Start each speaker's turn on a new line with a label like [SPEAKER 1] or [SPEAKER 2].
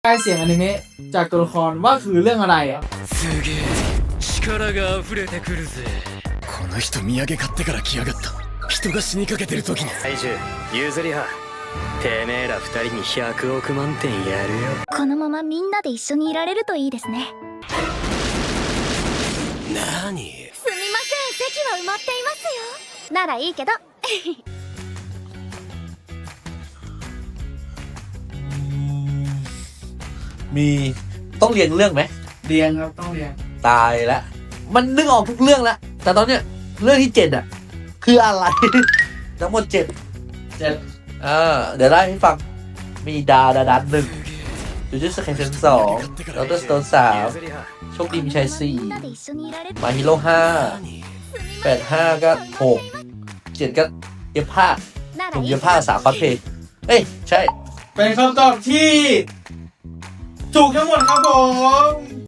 [SPEAKER 1] ได้เสียงอนิเมะจากตัวละครว่าคือเรื่องอะไรอ่ะ
[SPEAKER 2] すげえ力が溢れてくるぜ
[SPEAKER 3] この人土産買ってから来やがった人が死にかけてる時に
[SPEAKER 2] 怪獣ユーズリハてめえら二人に100億万点やるよ
[SPEAKER 4] このままみんなで一緒にいられるといいですね。
[SPEAKER 2] なに
[SPEAKER 4] すみません、席は埋まっていますよ。ならいいけど。
[SPEAKER 5] มีต้องเรียงเรื่องไหม
[SPEAKER 1] เรียงครับต้องเรียง
[SPEAKER 5] ตายแล้วมันนึกออกทุกเรื่องแล้วแต่ตอนเนี้ยเรื่องที่7อ่ะคืออะไร ทั้งหมด7เดี๋ยวไล่ให้ฟังมีดาดัน1จูจูสไคเซน2ดอเตอร์สโตน3โชคดีมีชัย
[SPEAKER 4] みんなで一緒にいられる。
[SPEAKER 5] 4มาฮิโร่5 8 5ก็6 7ก็เย็บผ้า
[SPEAKER 4] な
[SPEAKER 5] ผ
[SPEAKER 4] ら
[SPEAKER 5] ม
[SPEAKER 4] いい
[SPEAKER 5] เย็
[SPEAKER 4] け
[SPEAKER 5] บ
[SPEAKER 4] ど。
[SPEAKER 5] ผ้า3คอสเพลย์เอ้ยใช่
[SPEAKER 1] เป็นคำตอบที่ถูกทั้งหมดครับผม